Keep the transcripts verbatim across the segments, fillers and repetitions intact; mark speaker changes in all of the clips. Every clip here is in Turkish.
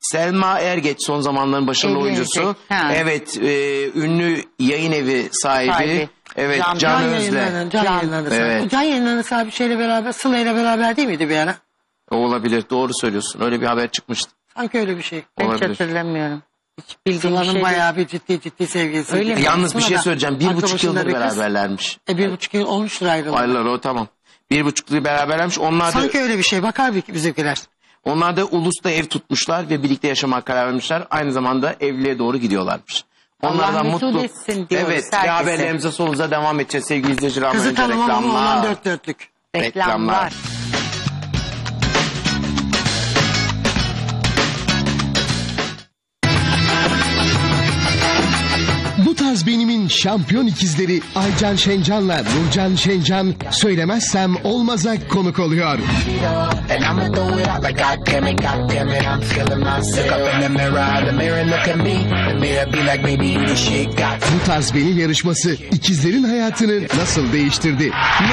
Speaker 1: Selma Ergeç son zamanların başarılı
Speaker 2: Evli
Speaker 1: oyuncusu.
Speaker 2: Ha.
Speaker 1: Evet, e, ünlü yayın evi sahibi.
Speaker 2: Sahibi.
Speaker 1: Evet,
Speaker 2: Can-
Speaker 1: Can,
Speaker 2: Can
Speaker 1: Özle.
Speaker 3: Yayınlarının, Can,
Speaker 2: Can-
Speaker 3: Yayınlarının
Speaker 1: Evet.
Speaker 3: sahibi. Can Yayınlarının sahibi şeyle beraber, Sıla ile beraber değil miydi bir ara?
Speaker 1: O olabilir, doğru söylüyorsun. Öyle bir haber çıkmıştı.
Speaker 3: Sanki öyle bir şey.
Speaker 2: Ben hiç
Speaker 1: Olabilir.
Speaker 2: hatırlamıyorum. Hiç bildiğim bir
Speaker 3: Sıla'nın
Speaker 2: şey değil.
Speaker 3: bayağı bir ciddi ciddi sevgilisi.
Speaker 2: Öyle mi?
Speaker 1: Yalnız bir şey söyleyeceğim. Bir
Speaker 3: Aklı
Speaker 1: buçuk
Speaker 3: başında
Speaker 1: yıldır
Speaker 3: bir kız.
Speaker 1: beraberlermiş.
Speaker 3: E bir buçuk yıl olmuştur ayrılığı.
Speaker 1: Aylar o tamam. Bir buçuk yıl beraberlermiş. Onlar da,
Speaker 3: Sanki öyle bir şey. Bakar bir bizimkiler.
Speaker 1: onlar da Ulus'ta ev tutmuşlar ve birlikte yaşamaya karar vermişler. Aynı zamanda evliliğe doğru gidiyorlarmış. Onlar
Speaker 2: Allah
Speaker 1: da
Speaker 2: mesut
Speaker 1: mutlu.
Speaker 2: etsin diyoruz
Speaker 1: Evet, ve
Speaker 2: herkese.
Speaker 1: haberlerimize solunuza devam edeceğiz sevgili izleyiciler. Ama
Speaker 3: Kızı
Speaker 1: önce
Speaker 3: tanımam ama
Speaker 1: reklamlar.
Speaker 3: olan dört dörtlük.
Speaker 2: Reklamlar.
Speaker 4: Bu tarz benimin şampiyon ikizleri Aycan Şencan'la Nurcan Şencan söylemezsem olmaza konuk oluyor.
Speaker 5: And I'ma throw it out like God damn it, God damn it, I'm feeling myself. Look up in the mirror, the mirror look at me. The mirror be like, baby, you the shit got.
Speaker 4: Bu tarz benim yarışması ikizlerin hayatını nasıl değiştirdi?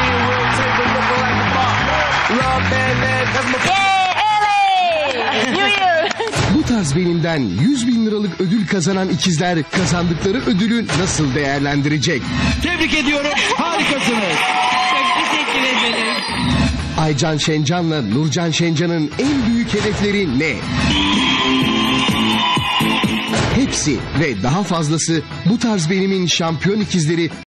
Speaker 4: Bu tarz benimden yüz bin liralık ödül kazanan ikizler kazandıkları ödülü nasıl değerlendirecek?
Speaker 6: Tebrik ediyorum. Harikasınız.
Speaker 4: Aycan Şencan'la Nurcan Şencan'ın en büyük hedefleri ne? Hepsi ve daha fazlası bu tarz benimin şampiyon ikizleri